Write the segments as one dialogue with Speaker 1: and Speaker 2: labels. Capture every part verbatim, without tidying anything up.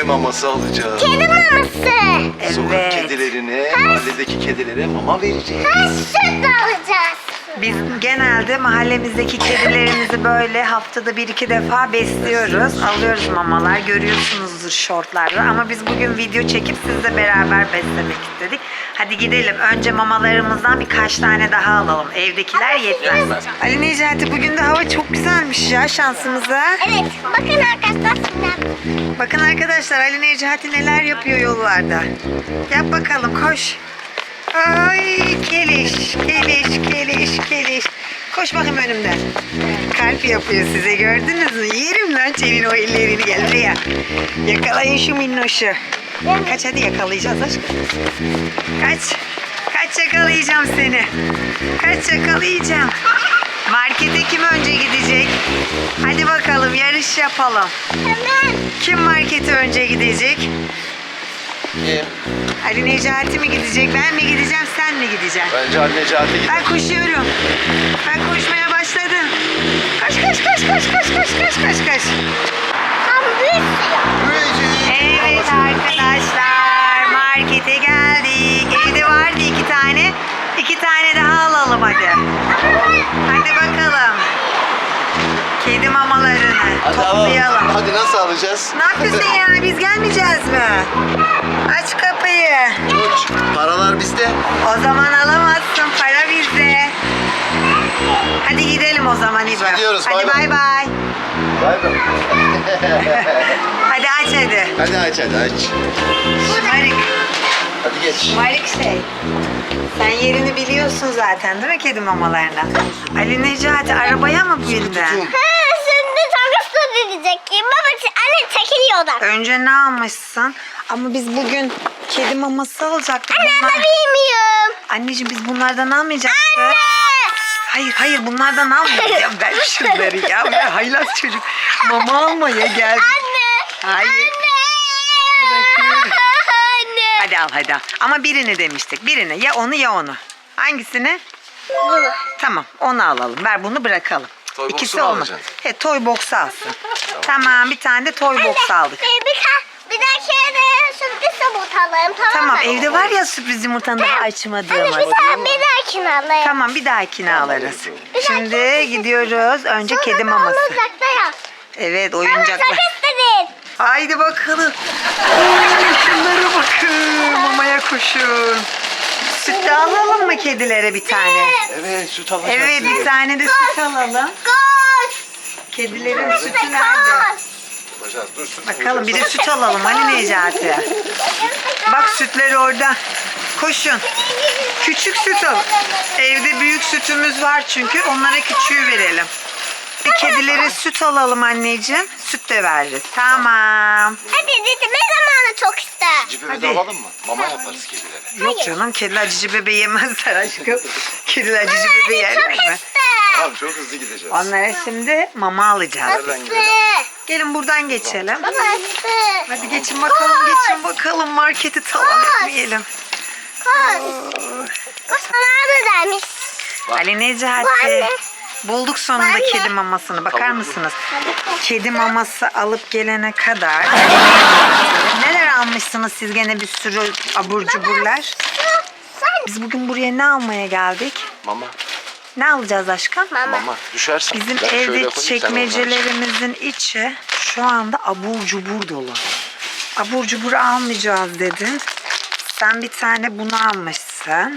Speaker 1: maması alacağız.
Speaker 2: Kedi maması.
Speaker 1: Sokak
Speaker 3: Evet.
Speaker 1: kedilerine, mahalledeki kedilere mama vereceğiz.
Speaker 2: Ha, süt alacağız.
Speaker 3: Biz genelde mahallemizdeki kedilerimizi böyle haftada bir iki defa besliyoruz. Alıyoruz mamalar, görüyorsunuzdur şortlarda. Ama biz bugün video çekip sizle beraber beslemek istedik. Hadi gidelim. Önce mamalarımızdan birkaç tane daha alalım. Evdekiler yetmez. Ali Necati, bugün de hava çok güzelmiş ya şansımıza.
Speaker 2: Evet. Bakın arkadaşlar. şimdi.
Speaker 3: Bakın arkadaşlar, Ali Necati neler yapıyor yollarda. Yap bakalım, koş. Ay keliş, keliş, keliş, keliş. Koş bakayım önümden. Kalp yapıyor size, gördünüz mü? Yerim lan senin o ellerini, gel buraya. Yakalayın şu minnoşu. Kaç, hadi yakalayacağız aşkım. Kaç. Kaç, yakalayacağım seni. Kaç, yakalayacağım. Markete kim önce gidecek? Hadi bakalım, yarış yapalım.
Speaker 2: Hemen.
Speaker 3: Kim markete önce gidecek?
Speaker 1: Kim?
Speaker 3: Ali Necati mi gidecek? Ben mi gideceğim? Sen mi gideceksin?
Speaker 1: Bence anne Cahit'e gidelim.
Speaker 3: Ben koşuyorum. Ben koşmaya başladım. Koş koş koş koş koş koş koş koş koş.
Speaker 2: Tam bir suya.
Speaker 3: Evet arkadaşlar, markete geldik. Evde vardı iki tane. İki tane daha alalım hadi. Hadi bakalım. Kedi mamalarını
Speaker 1: Hadi
Speaker 3: toplayalım.
Speaker 1: alalım. Hadi nasıl alacağız?
Speaker 3: Ne yapıyorsun ya? Biz gelmeyeceğiz mi? Aç kapıyı.
Speaker 1: Uç. Paralar bizde.
Speaker 3: O zaman alamazsın. Para bizde. Hadi gidelim o zaman İbo.
Speaker 1: Gidiyoruz,
Speaker 3: Hadi
Speaker 1: bay
Speaker 3: bay
Speaker 1: bay.
Speaker 3: bay.
Speaker 1: Bay bay.
Speaker 3: Hadi aç hadi.
Speaker 1: Hadi aç hadi aç.
Speaker 3: Şımarık.
Speaker 1: Hadi geç.
Speaker 3: Şımarık şey. Sen yerini biliyorsun zaten değil mi kedi mamalarına? Ali Necati arabaya mı bindin?
Speaker 1: Tutun.
Speaker 2: Ha, şimdi takasla diyecek ki. Baba anne çekiliyorlar.
Speaker 3: Önce ne almışsın? Ama biz bugün kedi maması alacaktık.
Speaker 2: Anne
Speaker 3: Bunlar...
Speaker 2: ben bilmiyorum.
Speaker 3: Anneciğim, biz bunlardan almayacaktık.
Speaker 2: Anne.
Speaker 3: Hayır hayır, bunlardan almayacağım. Ver şunları ya. Ver, haylaz çocuk. Mama almaya geldi.
Speaker 2: Anne.
Speaker 3: Hayır.
Speaker 2: Anne.
Speaker 3: Bırakıyorum.
Speaker 2: Anne.
Speaker 3: Hadi al hadi al. Ama birini demiştik. Birini. Ya onu ya onu. Hangisini?
Speaker 2: Bunu.
Speaker 3: Tamam, onu alalım. Ver bunu, bırakalım.
Speaker 1: Toy box'u
Speaker 3: İkisi
Speaker 1: mu
Speaker 3: olmaz.
Speaker 1: alacaksın?
Speaker 3: He, toy box alsın. Tamam, bir tane de toy box aldık.
Speaker 2: Bir, bir, bir dahaki de sürpriz yumurta alayım, tamam
Speaker 3: Tamam,
Speaker 2: mı?
Speaker 3: evde var ya sürpriz yumurtanı daha açmadığım.
Speaker 2: Anne bir daha bir dahakini alayım.
Speaker 3: Tamam, bir dahakini alırız.
Speaker 2: Bir
Speaker 3: Şimdi
Speaker 2: dahakini-
Speaker 3: gidiyoruz. Önce
Speaker 2: Sonra
Speaker 3: kedi
Speaker 2: da
Speaker 3: maması.
Speaker 2: Oyuncakta yap.
Speaker 3: Evet,
Speaker 2: Baba
Speaker 3: oyuncaklar.
Speaker 2: çok istedin.
Speaker 3: Haydi bakalım. Oo, şunlara bakın. Mamaya koşun. Süt de alalım mı kedilere bir tane?
Speaker 1: Evet süt alacağız.
Speaker 3: Evet, bir
Speaker 1: şimdi.
Speaker 3: tane de süt alalım.
Speaker 2: Koş.
Speaker 3: Kedilerin sütü
Speaker 2: Koş.
Speaker 3: nerede?
Speaker 1: Alacağız. Dur süt
Speaker 3: Bakalım, bir de
Speaker 1: alacağız.
Speaker 3: süt alalım Ali Necati. Bak, sütleri orada. Koşun. Küçük süt al. Evde büyük sütümüz var çünkü. Onlara küçüğü verelim. Kedilere süt alalım anneciğim. Süt de veririz. Tamam.
Speaker 2: Hadi dedim ne zamanı çok ister.
Speaker 1: Cipi
Speaker 3: Hadi.
Speaker 1: de alalım mı? Mama yaparız kedilere.
Speaker 3: Yok canım, kediler cici bebe yemezler aşkım. Kediler cici bebe yerler mi?
Speaker 2: ister.
Speaker 1: Tamam çok hızlı gideceğiz.
Speaker 3: Onlara şimdi mama alacağız.
Speaker 1: Nereden gidelim?
Speaker 3: Gelin buradan geçelim.
Speaker 2: Baba ister.
Speaker 3: Hadi geçin bakalım, geçin bakalım. Marketi talan etmeyelim.
Speaker 2: Koş. Koş bana da demiş.
Speaker 3: Ali
Speaker 2: Bu
Speaker 3: Necati.
Speaker 2: anne.
Speaker 3: Bulduk sonunda
Speaker 2: Anne.
Speaker 3: kedi mamasını. Bakar
Speaker 1: Tavuklu.
Speaker 3: mısınız? Kedi maması alıp gelene kadar neler almışsınız siz, gene bir sürü abur cuburlar.
Speaker 2: Sen
Speaker 3: Biz bugün buraya ne almaya geldik?
Speaker 1: Mama.
Speaker 3: Ne alacağız aşkım?
Speaker 2: mama.
Speaker 1: Mama. Düşersin.
Speaker 3: Bizim
Speaker 1: Ben şöyle
Speaker 3: evde
Speaker 1: koyayım, sen oradan
Speaker 3: çekmecelerimizin içi şu anda abur cubur dolu. Abur cubur almayacağız dedin. Sen bir tane bunu almışsın.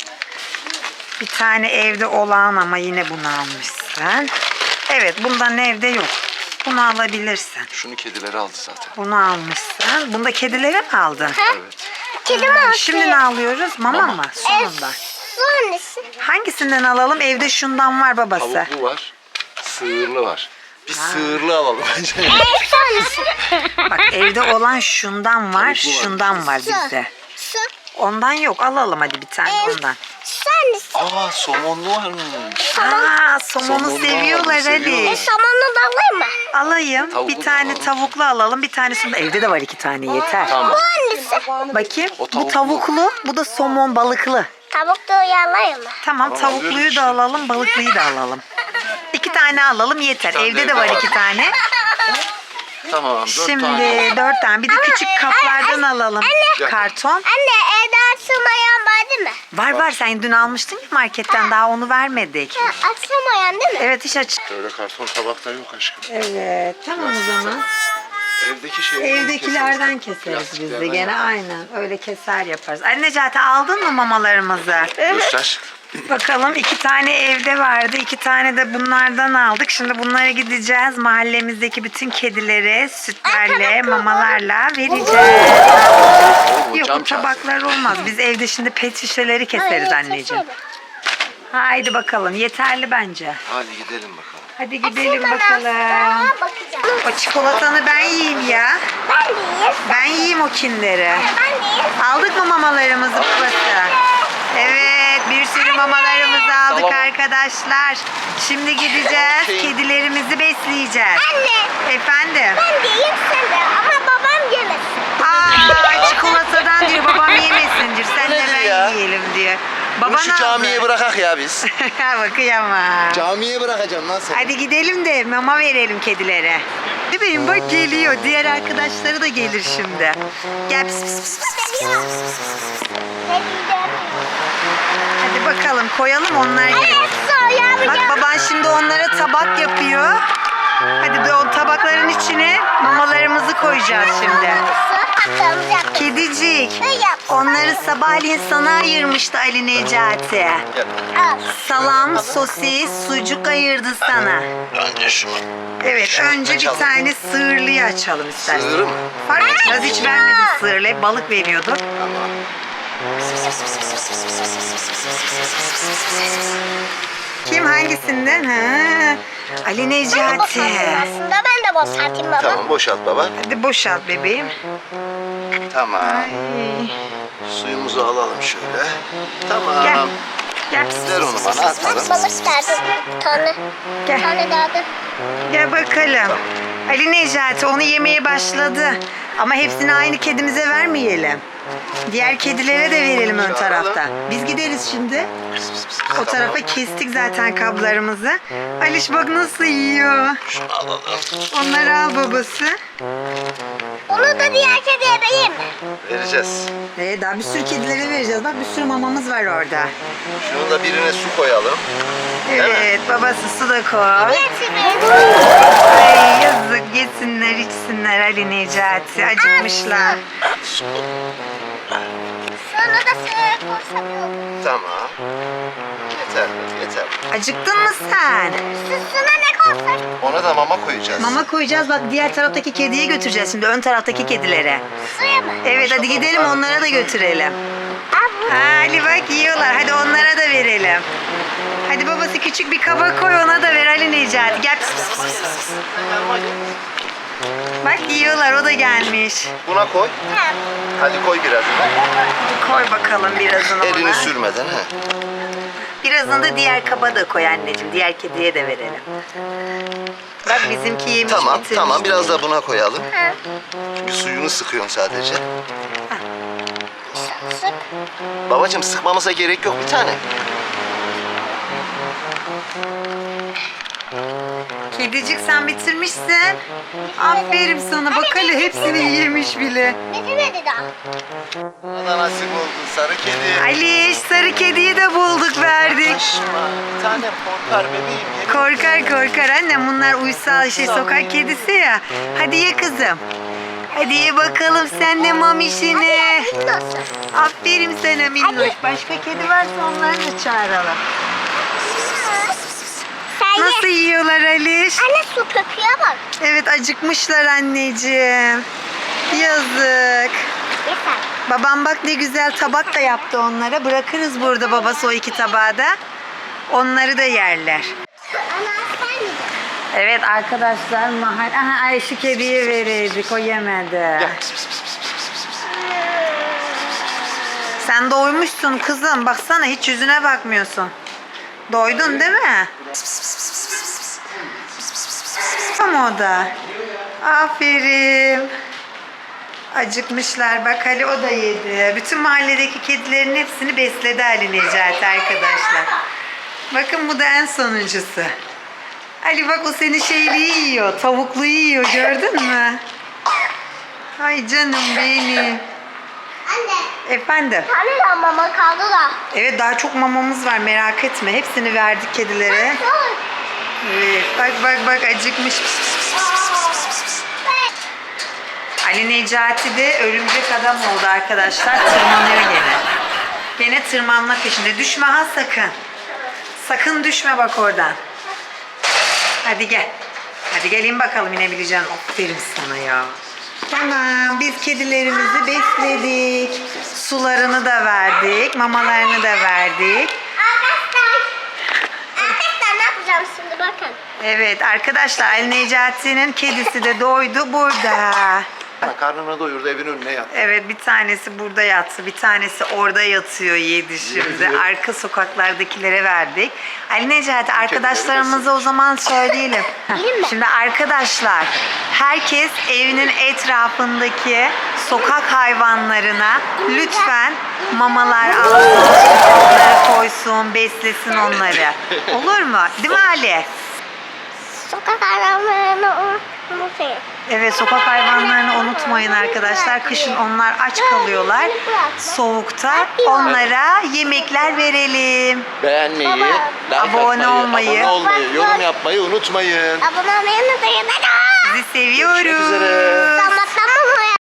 Speaker 3: Bir tane evde olan ama yine bunu almışsın. Evet, bundan evde yok. Bunu alabilirsin.
Speaker 1: çık. Şunu kedileri aldı zaten.
Speaker 3: Bunu almışsın. Bunu da kedilere mi aldın?
Speaker 1: Evet.
Speaker 2: Kedi mi?
Speaker 3: Şimdi ne alıyoruz? Mama
Speaker 1: Mama.
Speaker 3: mı? Sonunda.
Speaker 2: Sonrası.
Speaker 3: Hangisinden alalım? Evde şundan var babası.
Speaker 1: Tavuklu var. Sığırlı var. Bir sığırlı alalım bence.
Speaker 2: En sonrası.
Speaker 3: Bak, evde olan şundan var,
Speaker 1: Tavuklu var.
Speaker 3: şundan var bizde.
Speaker 2: Su.
Speaker 3: Ondan yok. Alalım hadi bir tane
Speaker 2: En
Speaker 3: ondan.
Speaker 2: sonrası.
Speaker 1: Aa somonlu var mı?
Speaker 3: Aa, somonu
Speaker 1: Somonu
Speaker 3: seviyorlar
Speaker 1: aldım,
Speaker 3: Ali.
Speaker 1: seviyorlar.
Speaker 2: E samanını da alayım mı?
Speaker 3: Alayım.
Speaker 1: Tavuklu
Speaker 3: bir
Speaker 1: da
Speaker 3: tane
Speaker 1: alalım.
Speaker 3: tavuklu alalım. Bir tanesini de evde de var, iki tane yeter.
Speaker 1: Tamam.
Speaker 2: Bu hangisi?
Speaker 3: Bakayım.
Speaker 1: O
Speaker 3: Bu
Speaker 1: tavuklu.
Speaker 3: tavuklu, bu da somon balıklı.
Speaker 2: Tavuk da uyarlayayım mı?
Speaker 3: Tamam,
Speaker 1: Tamam,
Speaker 3: tavukluyu
Speaker 1: alıyoruz
Speaker 3: da
Speaker 1: işte.
Speaker 3: alalım, balıklıyı da alalım. İki tane alalım yeter.
Speaker 1: tane
Speaker 3: Evde
Speaker 1: de
Speaker 3: de var
Speaker 1: evde
Speaker 3: iki
Speaker 1: var.
Speaker 3: tane.
Speaker 1: Tamam dört
Speaker 3: Şimdi
Speaker 1: tane.
Speaker 3: dört tane. Bir de küçük
Speaker 2: e,
Speaker 3: kaplardan
Speaker 2: anne,
Speaker 3: alalım.
Speaker 2: anne.
Speaker 3: Karton.
Speaker 2: Anne evde açılmayan var değil mi?
Speaker 3: Var var, sen dün almıştın ya marketten, daha onu vermedik.
Speaker 2: Ha, açılmayan değil mi?
Speaker 3: Evet, hiç aç.
Speaker 1: Öyle karton tabakta yok aşkım.
Speaker 3: Evet, tamam o zaman.
Speaker 1: Evdeki şey.
Speaker 3: Evdekilerden keseriz biz de
Speaker 1: Plastiklerden
Speaker 3: gene,
Speaker 1: yap.
Speaker 3: aynen. Öyle keser yaparız. Ali Necati, aldın mı mamalarımızı?
Speaker 1: Göster.
Speaker 3: Bakalım, iki tane evde vardı. iki tane de bunlardan aldık. Şimdi bunlara gideceğiz. Mahallemizdeki bütün kedilere sütlerle, mamalarla vereceğiz. Yok,
Speaker 1: Cam
Speaker 3: bu tabaklar olmaz. Biz evde şimdi pet şişeleri keseriz
Speaker 2: Hayır,
Speaker 3: anneciğim.
Speaker 2: keseriz.
Speaker 3: Haydi bakalım. Yeterli bence.
Speaker 1: Hadi gidelim bakalım.
Speaker 3: Hadi gidelim
Speaker 2: Açılmadan
Speaker 3: bakalım.
Speaker 2: sonra bakacağım.
Speaker 3: O çikolatanı ben yiyeyim ya.
Speaker 2: Ben de yiyeyim.
Speaker 3: Ben yiyeyim o kinleri.
Speaker 2: Ben de yiyeyim.
Speaker 3: Aldık mı mamalarımızı babası? Evet, bir sürü mamalarımızı aldık
Speaker 1: Tamam.
Speaker 3: arkadaşlar. Şimdi gideceğiz,
Speaker 1: Okey.
Speaker 3: kedilerimizi besleyeceğiz.
Speaker 2: Anne
Speaker 3: Efendim?
Speaker 2: ben de yiyeyim sen de ama babam yemesin.
Speaker 3: Aa, çikolatadan diyor, babam yemesin diyor. Sen de
Speaker 1: Nedir
Speaker 3: ben
Speaker 1: ya?
Speaker 3: yiyelim diyor.
Speaker 1: Bunu
Speaker 3: Baban
Speaker 1: şu camiye bırakak ya biz.
Speaker 3: Bakayım ama.
Speaker 1: Camiye bırakacağım lan seni.
Speaker 3: Hadi gidelim de mama verelim kedilere. Bebeğim bak, geliyor. Diğer arkadaşları da gelir şimdi. Gel pis pis pis pis.
Speaker 2: Geliyor. Ne diyeceğim?
Speaker 3: Hadi bakalım, koyalım, onlar gelir.
Speaker 2: Evet soya
Speaker 3: Bak, baban şimdi onlara tabak yapıyor. Hadi de o tabakların içine mamalarımızı koyacağız şimdi.
Speaker 2: Patlayacak.
Speaker 3: Kedicik,
Speaker 2: Ne yap?
Speaker 3: onları sabahleyin sana ayırmıştı Ali Necati.
Speaker 1: Gel.
Speaker 2: Al.
Speaker 3: Salam, sosis, sucuk ayırdı sana.
Speaker 1: Önce şunu.
Speaker 3: Evet,
Speaker 1: Şunu
Speaker 3: önce bir
Speaker 1: açalım.
Speaker 3: tane sığırlıyı açalım istersen.
Speaker 1: Sığırı mı?
Speaker 3: Fark etmez, hiç vermedi sığırlı. Hep balık veriyordu.
Speaker 1: Tamam.
Speaker 3: Kim, hangisinden? Ha, Ali
Speaker 2: Ben de
Speaker 3: Necati.
Speaker 2: boşaltayım aslında. Ben de boşaltayım baba.
Speaker 1: Tamam boşalt baba.
Speaker 3: Hadi boşalt bebeğim.
Speaker 1: Tamam.
Speaker 3: Ay.
Speaker 1: Suyumuzu alalım şöyle. Tamam.
Speaker 3: Gel. Gel.
Speaker 1: Ver onu bana atalım.
Speaker 2: Bak balık derdi. Bir tane.
Speaker 3: Gel.
Speaker 2: Bir tane derdi.
Speaker 3: Gel bakalım. Ali Necati onu yemeye başladı. Ama hepsini aynı kedimize vermeyelim. Diğer kedilere de verelim ön tarafta. Biz gideriz şimdi. O tarafa kestik zaten kablarımızı. Aliş bak nasıl yiyor.
Speaker 1: Şunu alalım.
Speaker 3: Onları al babası.
Speaker 2: Onu da diğer kediye vereyim mi?
Speaker 1: Vereceğiz.
Speaker 3: Ee, daha bir sürü kedilere vereceğiz. Bak, bir sürü mamamız var orada.
Speaker 1: Şunu da birine su koyalım.
Speaker 3: Evet, babası su da koy.
Speaker 2: Getirin.
Speaker 3: Ay yazık, yesinler içsinler Ali Necati. Acıkmışlar.
Speaker 2: Sonra da sığır koysam yok.
Speaker 1: Tamam. Yeter, yeter.
Speaker 3: Acıktın mı sen?
Speaker 2: Süsüne ne koysak?
Speaker 1: Ona da mama koyacağız.
Speaker 3: Mama koyacağız, bak diğer taraftaki kediye götüreceğiz şimdi, ön taraftaki kedilere.
Speaker 2: Suya mı?
Speaker 3: Evet, hadi gidelim onlara da götürelim.
Speaker 2: Al bu.
Speaker 3: Ha, Ali bak yiyorlar, hadi onlara da verelim. Hadi babası küçük bir kaba koy, ona da ver Ali Necati. Gel. Pis, pis, pis, pis, pis. Bak yiyorlar, o da gelmiş.
Speaker 1: Buna koy.
Speaker 2: Ha.
Speaker 1: Hadi koy birazını.
Speaker 3: Koy bakalım birazını
Speaker 1: Elini
Speaker 3: ona.
Speaker 1: sürmeden he.
Speaker 3: Birazını da diğer kaba da koy anneciğim, diğer kediye de verelim. Bak bizimki yemiş
Speaker 1: Tamam,
Speaker 3: bitirmiş.
Speaker 1: tamam. Biraz da buna koyalım.
Speaker 2: Ha.
Speaker 1: Çünkü suyunu sıkıyorsun sadece.
Speaker 2: Sık.
Speaker 1: Babacığım sıkmamıza gerek yok bir tane.
Speaker 3: Kedicik, sen bitirmişsin. Aferin sana, bak hele hepsini yemiş bile.
Speaker 2: Bitirmedi daha.
Speaker 1: Bana nasip oldu sarı kedi.
Speaker 3: Ali, sarı kediyi de bulduk, verdik.
Speaker 1: Kaçma. Bir tane korkar bebeğim. yemin-
Speaker 3: Korkar korkar annem, bunlar uysal şey, sokak kedisi ya. Hadi ye kızım. Hadi ye bakalım sen de mamişini.
Speaker 2: Nasıl?
Speaker 3: Aferin sana minnoş. Başka kedi varsa onları da çağıralım.
Speaker 2: Sen ye.
Speaker 3: Nasıl yiyorlar Aliş?
Speaker 2: Anne su köpüğe bak.
Speaker 3: Evet, acıkmışlar anneciğim. Yazık.
Speaker 2: Yeter.
Speaker 3: Babam bak ne güzel tabak da yaptı onlara. Bırakırız burada babası o iki tabağı da. Onları da yerler.
Speaker 2: Ana sen mi?
Speaker 3: Evet arkadaşlar, mahal... Aha, Ayşe kediye verirdik, o yemedi.
Speaker 1: Gel. Pis, pis, pis, pis, pis, pis, pis.
Speaker 3: Sen doymuşsun kızım. Baksana, hiç yüzüne bakmıyorsun. Doydun değil mi? Ama o da. Aferin. Acıkmışlar. Bak Ali, o da yedi. Bütün mahalledeki kedilerin hepsini besledi Ali Necati arkadaşlar. Bakın, bu da en sonuncusu. Ali bak o senin şeyliği yiyor. Tavukluyu yiyor gördün mü? Ay canım benim.
Speaker 2: Anne.
Speaker 3: Efendim.
Speaker 2: Tane daha mama kaldı da.
Speaker 3: Evet daha çok mamamız var merak etme. Hepsini verdik kedilere. Evet bak bak bak acıkmış. Pis, pis, pis, pis, pis, pis, pis. Ali Necati de örümcek adam oldu arkadaşlar. Tırmanıyor gene. Gene tırmanma peşinde. Düşme ha sakın. Sakın düşme bak oradan. Hadi gel. Hadi gelin bakalım inebileceğim. Aferin sana ya. Tamam biz kedilerimizi besledik. Sularını da verdik. Mamalarını da verdik.
Speaker 2: Arkadaşlar. Arkadaşlar ne yapacağım şimdi bakın.
Speaker 3: Evet arkadaşlar Ali Necati'nin kedisi de doydu burada.
Speaker 1: Karnını doyurdu, evin önüne yattı.
Speaker 3: Evet bir tanesi burada yattı. Bir tanesi orada yatıyor yedi şimdi.
Speaker 1: Yedi.
Speaker 3: Arka sokaklardakilere verdik. Ali Necati arkadaşlarımıza o zaman söyleyelim.
Speaker 2: Gelin mi?
Speaker 3: Şimdi arkadaşlar herkes evinin etrafındaki sokak hayvanlarına lütfen mamalar alsın. Onları koysun, beslesin onları. Olur mu? Değil mi Ali?
Speaker 2: Sokak hayvanlarını unutmayın.
Speaker 3: Evet sokak hayvanlarını unutmayın arkadaşlar. Kışın onlar aç kalıyorlar. Soğukta onlara yemekler verelim.
Speaker 1: Beğenmeyi, like
Speaker 3: Abone
Speaker 1: atmayı,
Speaker 3: olmayı.
Speaker 1: abone olmayı, yorum yapmayı unutmayın.
Speaker 2: Abone olmayı unutmayın.
Speaker 3: Sizi seviyoruz.
Speaker 1: Görüşmek üzere.